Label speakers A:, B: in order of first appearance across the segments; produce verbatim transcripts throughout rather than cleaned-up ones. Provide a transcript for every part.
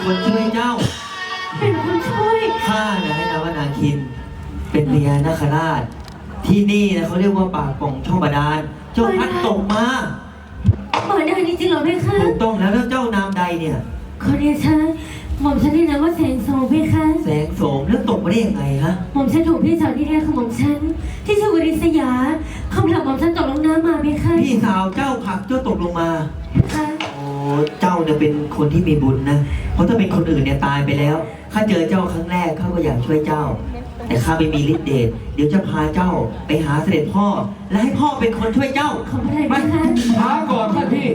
A: คนช่วยเจ้า
B: เป็นคนช่วย
A: ข้านะให้นามว่านาคินเป็นพญานาคราชที่นี่นะเขาเรียกว่าปากป่องช่องบาดาลเจ้าพัดตกมา
B: บาดาลจริงๆเหรอเพคะ
A: ถูกต้องแล้วแล้วเจ้านามใดเนี่ย
B: ขอเรียนฉันหม่อมฉันนี่นะว่าแสงโสมเพคะ
A: แสงโสมแล้วตกมาได้ยังไงฮะ
B: หม่อมฉันถูกพี่สาวที่แท้ของหม่อมฉันที่ชื่อวริษยาเขาผลักหม่อมฉันตกลงน้ำมาเพคะ
A: พี่สาวเจ้าผลักเจ้าตกลงมา
B: ค่ะ
A: โอ้เจ้าเนี่ยเป็นคนที่มีบุญนะเพราะถ้าเป็นคนอื่นเนี่ยตายไปแล้วข้าเจอเจ้าครั้งแรกข้าก็อยากช่วยเจ้าแต่ข้าไม่มีฤทธิ์เดชเดี๋ยวจะพาเจ้าไปหาเสด็จพ่อและให้พ่อเป็นคนช่วยเจ้า
B: ขอบคุณเลยนะคะ
C: ช้าก่อนท่านพี่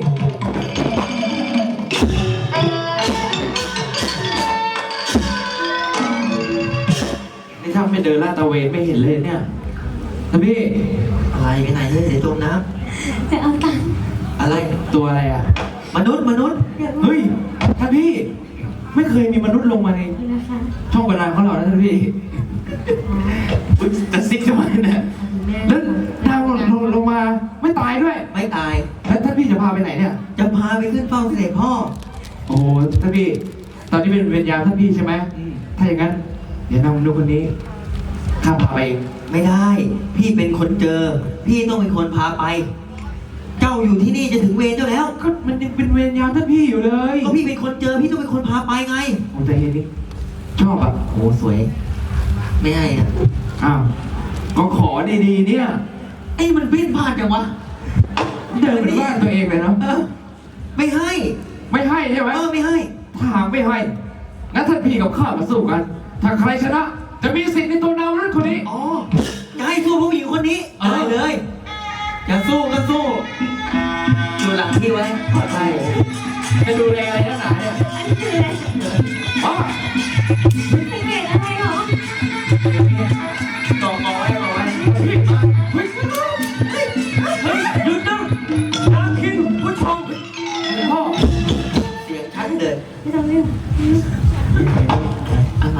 C: นี่ถ้าไม่เดินลาดตระเวนไม่เห็นเลยเนี่ยท่านพี่
A: อะไรไปไหนเลยเดี๋ยวจมน้ำ
B: จะเอาตังค์
A: อะไร
C: ตัวอะไรอ่ะ
A: มนุษย์มนุษย์
C: เฮ้ยท่านพี่ไม่เคยมีมนุษย์ลงมาในช่องบาดาลของเรานะท่านพี่จะซิกทำไมเนี่ยแล้วดาวลงลงมาไม่ตายด้วย
A: ไม่ตาย
C: แล้วท่านพี่จะพาไปไหนเนี่ย
A: จะพาไปขึ้นเฝ้าเสด็จพ่อ
C: โอ้ท่านพี่ตอนนี้เป็นเวรยามท่านพี่ใช่ไหมถ้าอย่างนั้นเดี๋ยวนำมนุษย์คนนี้ข้าพาไปเอง
A: ไม่ได้พี่เป็นคนเจอพี่ต้องเป็นคนพาไปเจ้าอยู่ที่นี่จะถึงเวรเจ้าแล้ว
C: ก็มันยังเป็นเวรยามท่านพี่อยู่เลย
A: ก็พี่เป็นคนเจอพี่ต้องเป็นคนพาไปไง
C: ผมใจเย็นนิดชอบอ่ะ
A: โอ้สวยไม่ให้อ่ะ
C: อ้าวก็ขอดีๆเนี่ย
A: ไอ้มันปิ้นพลาดจังวะ
C: เดินบ้านตัวเองเลยเนาะ
A: ไม่ให้
C: ไม่ให้ใช่ไหม
A: เออไม่ให้
C: ถ้าหากไม่ให้งั้นท่านพี่กับข้ามาสู้กันถ้าใครชนะจะมีสิทธิ์ในตัวนาวรุ่นคนนี้
A: อ๋อจะให้สู้ผู้หญิงคนนี้ได้เลยจะสู้ก็สู้ดูหลังที่ไว้ปลอดภัย
C: จะดูแลอะไรนักหนาเนี่ย
B: อันนี้คืออะไร
C: อ๋อ
B: สังเกตอะไรหรอ
A: ต่อเอาไว้เอาไว้
C: เฮ้ยเฮ้ย
A: หยุดนะนาคินผู้ชม
C: พ่อ
A: เสียงชัดเลย
B: ไม่ต้องเรียก
A: อะไร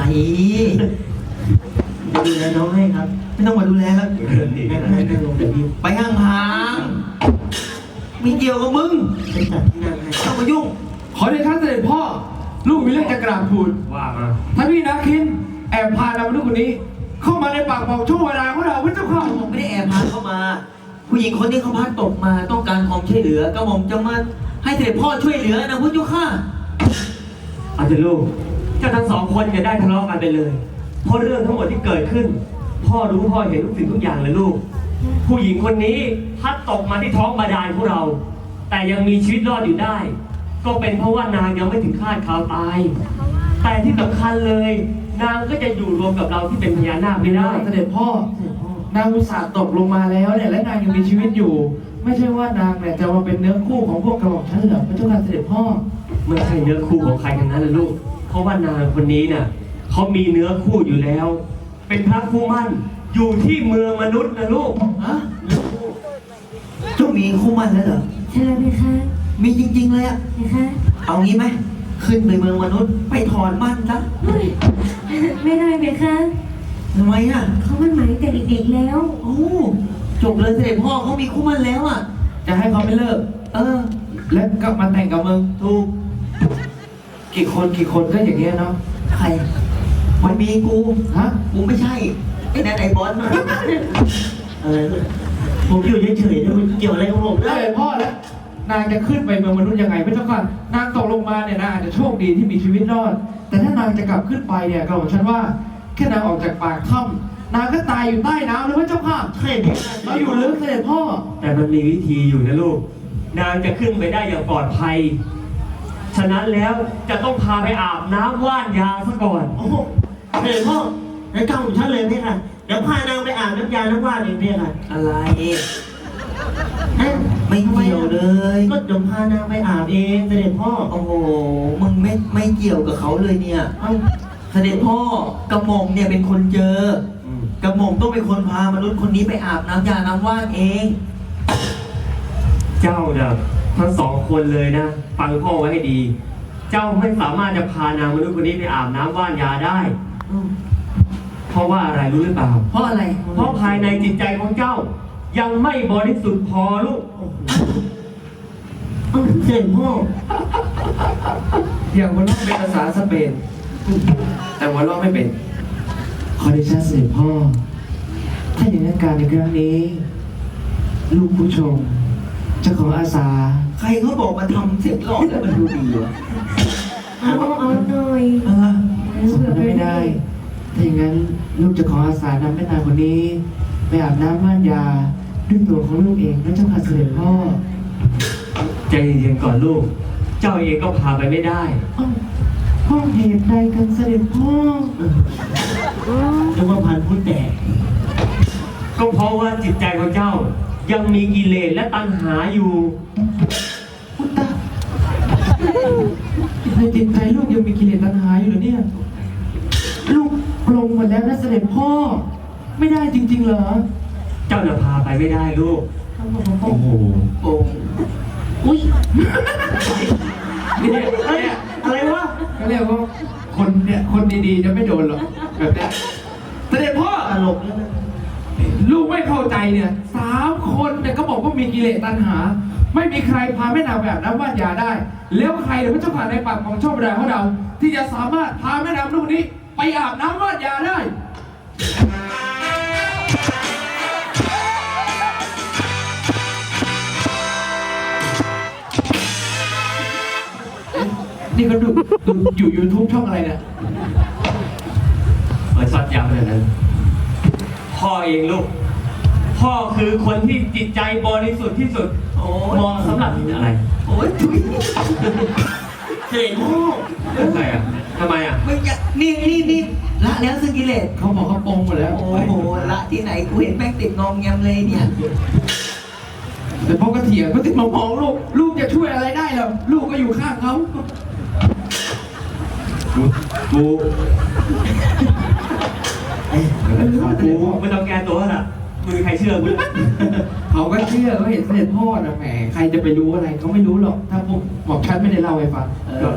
A: ดูแลน้องให้ครับไม่ต้องมาดูแลแล้วไปห่างๆมีเกี่ยวกับมึงไปจัดที่นั่นให้ต้องมายุ่ง
C: ขอเดชะเสด็จพ่อลูกมีเรื่องจะกราบทูลว่ามาท่านพี่นาคินแอบพานำลูกคนนี้เข้ามาในปากบอกช่วงเวลาของเราพระเจ้าข้า
A: ผมไม่ได้แอบพาเข้ามาผู้หญิงคนนี้เขาพัดตกมาต้องการความช่วยเหลือก็ผมจะมาให้เสด็จพ่อช่วยเหลือนะพระเจ้าข้า
D: อาจารย์ลูกเจ้าทั้งสองคนจะได้ทะเลาะกันไปเลยเพราะเรื่องทั้งหมดที่เกิดขึ้นพ่อรู้พ่อเห็นทุกสิ่งทุกอย่างเลยลูกผู้หญิงคนนี้พัดตกมาที่ท้องบาดาลของเราแต่ยังมีชีวิตรอดอยู่ได้ก็เป็นเพราะว่านางยังไม่ถึงคาดคาวตายแต่ที่สำคัญเลยนางก็จะอยู่รวมกับเราที่เป็นพญานาคไม่ได้
C: เสด็จพ่อนางอุตส่าห์ตกลงมาแล้วเนี่ยและนางยังมีชีวิตอยู่ไม่ใช่ว่านางเนี่ยจะมาเป็นเนื้อคู่ของพวกกระบอกฉันเหรอพระเจ้าค่ะเสด็จพ่อ
D: ไม่ใช่เนื้อคู่ของใครทั้งนั้นเลยลูกเพราะว่านางคนนี้น่ะเขามีเนื้อคู่อยู่แล้วเป็นพระคู่มั่นอยู่ที่เมืองมนุษย์นะลูก
A: ฮะเจ้ามีคู่มั่นแล้วเหรอ
B: ใช่ไหมคะ
A: มีจริงๆเลยอะ
B: นะคะ
A: เอางี้ไหมขึ้นไปเมืองมนุษย์ไปถอนมั่นซะ
B: ไม่ได้ไหมคะ
A: ทำไมอะ
B: เขามันหมายแต่เด็กๆแล้ว
A: โอ้จบเลยเสด็จพ่อเขามีคู่มั่นแล้วอะ
C: จะให้เขาไม่เลิก
A: เออ
C: แล้วก็มาแต่งกับมึง
A: ถูก
C: กี่คนกี่คนก็อย่างเงี้ยเนาะ
A: ใครมันมีกู
C: ฮะ
A: กูไม่ใช่ไอ้นั่นไอ้บอสมาอะไรผมอยู่เฉยๆมันเกี่ยวอะไรกับผม
C: ได้พ่อแล้วนางจะขึ้นไปเมืองมนุษย์ยังไงไม่ต้องการนางตกลงมาเนี่ยนางอาจจะโชคดีที่มีชีวิตรอดแต่ถ้านางจะกลับขึ้นไปเนี่ยก็บอกฉันว่าแค่นางออกจากปากถ้ำนางก็ตายอยู่ใต้น้ำเลยพระเจ้าค่ะ
A: ใช่
C: เราอยู่ลึกเสด็จพ่อ
D: แต่มันมีวิธีอยู่นะลูกนางจะขึ้นไปได้อย่างปลอดภัยฉะนั้นแล้วจะต้องพาไปอาบน้ำว่านยาซะก่อน
A: โอ้โหเสด็จพ่อในเจ้าของฉันเลยพี่ค่ะเดี๋ยวพานางไปอาบน้ำยาน้ำว่านเองพี่ค่ะอะไรไม่เกี่ยวเลยก็เดี๋ยวพานางไปอาบเองเสด็จพ่อโอ้โหมึงไม่ไม่เกี่ยวกับเขาเลยเนี่ยเสด็จพ่อกระหม่อมเนี่ยเป็นคนเจอกระหม่อมต้องเป็นคนพามนุษย์คนนี้ไปอาบน้ำยาน้ำว่านเอง
D: เจ้าเนี่ยทั้งสองคนเลยนะฟังพ่อไว้ให้ดีเจ้าไม่สามารถจะพานางมนุษย์คนนี้ไปอาบน้ำว่านยาได้เพราะว่าอะไรรู้หรือเปล่า
A: เพราะอะไร
D: เพราะภายในจิตใจของเจ้ายังไม่บริสุทธิ์พอลูก
A: เสด็จพ่อ
C: อย่างหัวเราะเป็นภาษาสเปน แต่หัวเราะไม่เป็น ขอเดชะเสด็จพ่อ ถ้าอย่างนั้นการในครั้งนี้ ลูกผู้ชมจะขออาสา
A: ใครเขาบอกมาทำเสียงหล่อแล้วมันดูดีวะ
B: เอาเอาหน่อย
C: เออสมนั้นไม่ได้ ถ้าอย่างนั้นลูกจะขออาสานำแม่นางคนนี้ ไปอาบน้ำม่านยาด้วยตัวของลูกเองนะเจ้าค่ะเสด็จพ่อ
D: ใจเย็นๆก่อนลูก เจ้าเองก็พาไปไม่ได้
C: อ้าวพ่อเหตุใดกันเสด็จพ่อ
A: นึกว่าพันพูดแตก
D: ก็เพราะว่าจิตใจของเจ้า ยังมีกิเลสและตัณหาอยู่
C: พุตตะในจิตใจลูกยังมีกิเลสตัณหาอยู่เหรอเนี่ย ลูกปลงหมดแล้วนะเสด็จพ่อ ไม่ได้จริงๆเหรอ
D: เจ้าน่ะพาไปไม่ได้ลูก
A: โอ้โหโอ้อุ้ย
C: เนี่ย
A: เอ้ย
C: เนี่ย
A: อะไรวะ
C: ก็เรียกว่าคนเนี่ยคนดีๆจะไม่โดนหรอกแบบเนี้ยเสด็จพ่อ
A: ตลกแล้วนะ
C: ลูกไม่เข้าใจเนี่ยสามคนเนี่ยก็บอกว่ามีกิเลสตัณหา ไม่มีใครพาแม่นางแบบน้ำว่านยาได้ แล้วใครเดี๋ยวพระเจ้าผ่านในปากของชอบแรงของเรา ที่จะสามารถพาแม่นางลูกนี้ ไปอาบน้ำว่านยาได้ นี่ก็ดูดูอยู่ YouTube ช่องอะไรเนี่ย
D: เปิดช็อตยาวขนาดนั้น พ่อเองลูก พ่อคือคนที่จิตใจบริสุทธิ์ที่สุด
A: โอ้ย
D: เหมาะสำหรับอะไร
A: โอ้ยทุยเสด็จพ่อ
D: อะไรอ่ะทำไมอ่ะ
A: ไม่อยากนี่นี่นี่ละแล้วซึ่งกิเลส
C: เขาบอกเขาโปรงหมดแล้ว
A: โอ้โหละที่ไหนกูเห็นแม่งติดงอมแงมเลยเนี่ย
C: แต่พ่อก็เถียงก็ติดมามองลูก ลูกจะช่วยอะไรได้หรอลูกก็อยู่ข้างเขา
D: กู
A: เอ้ย
D: กูไม่ต้องแก้ตัวละมึงใครเชื่อกูเลย
C: เขาก็เชื่อเขาเห็นเสด็จพ่อนะแหมใครจะไปรู้อะไรเขาไม่รู้หรอก ถ้าผมบอกฉันไม่ได้เล่าให้ฟัง
A: เอ
D: ก็
A: อ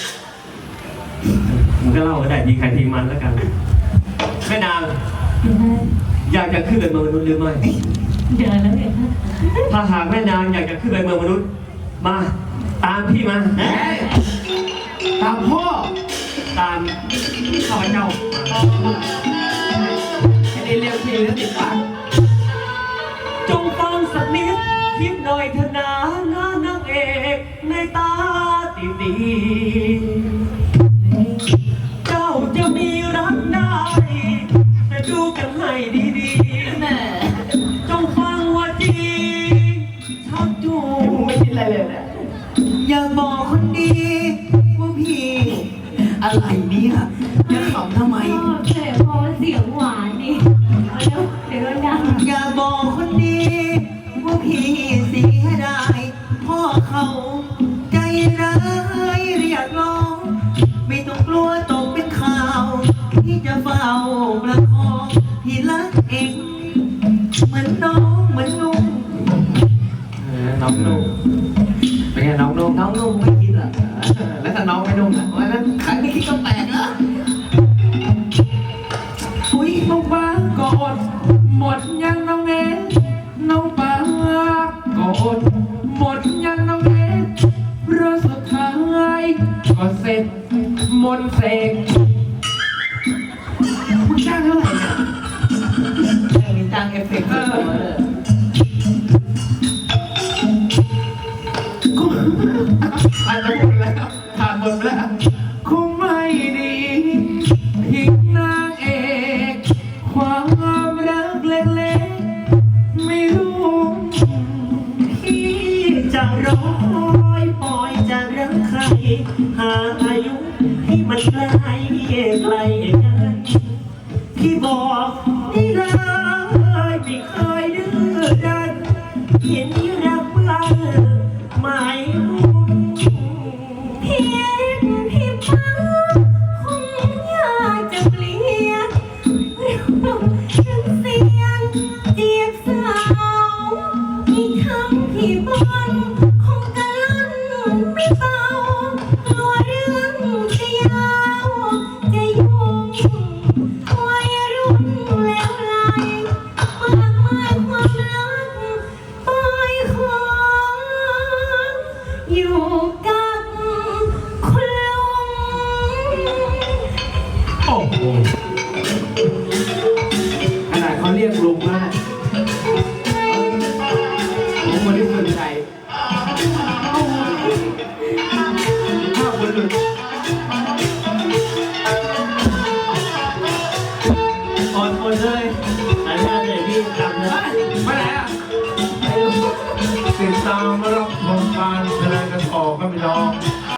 D: มึงก็เล่าก็ได้ทีใครทีมันแล้วกัน แม่นาง อยากจะขึ้นไปเมืองมนุษย์หรือไม่
B: เดินแล้วเนี่ย
D: ถ้าหากแม่นางอยากจะขึ้นไปเมืองมนุษย์ มา ตามพี่มา
C: เฮ้ยตามพ่อ
D: ตามข้าพเจ้ามา
C: ไอ้นี่เรียกพี่แล้วติดปาก
D: จงฟังสักนิดคิดหน่อยเถอะนะนะนางเอกในตาตีตีเจ้าจะมีรักได้ แต่ดูกันให้ดีๆแม่จงฟังว่าจริงชักจู
C: มึงไม่คิดอะไรเลยนะ
A: อยากบอกคนดีว่าพี่ อะไรเนี่ยจะขำทำไม
B: พ่อแต่พอเสียงหวานดิเอาเร็วเดี๋ยวมันดัง
A: อย่าบอกคนดีว่าพี่เสียดายพ่อเขาใจร้ายเรียกร้องไม่ต้องกลัวตกเป็นข่าวที่จะเฝ้าประคองพี่รักเองเหมือนน้องเหมือนนุ่ง
C: เออน้องนุ่มเป็นไงน้องนุ่ม
A: น้องนุ่งไม่คิดเหรอ
C: เออแล้วถ้าน้องไม่นุ่มอ่ะ
A: วันนั้นใครไม่คิดก็แปลกแล้วอุ้ย
C: น้องปากก็อดหมดยังน้องเอ๋น้องปากก็อดหมดยังน้องเอ๋รอบสุดท้ายก็เสร็จมนต์เสกมึงจ้างเท่าไหร่เนี่ย
A: ยังมีจ้างเอฟเฟกต์ด้วยเหรอ
C: ก็อาจจะหมดแล้วผ่านหมดไปแล้วคงไม่ดีทิ้งนางเอกความรักเล็กๆไม่รู้
A: พี่จะร้อยปล่อยจะรักใคร หาอายุที่มันไกลไกลกันพี่บอกได้เลยไม่เคยดื้อดันเห็นรักบ้างหมายมุ่ง
B: พี่พี่ปังคงอยากจะเปลี่ยนเราทั้งเสียงเจียบสาวอีกคำพี่บนคงกะลั่นไม่เบากลัวเรื่องจะยาวจะยุ่งวัยรุ่นแล้วไหลมากมายความรักปล่อยค
C: ขนาดเขาเรียกลุงแล้วนะผมบริสุทธิ์ใจข้าวบนหลุด
A: อ่อนหมดเลยอนุญาตเลยพี่กลับเลย
C: ไปไหนอ่ะ
E: ติดตามรับชมการแสดงกันต่อครับพี่น้อง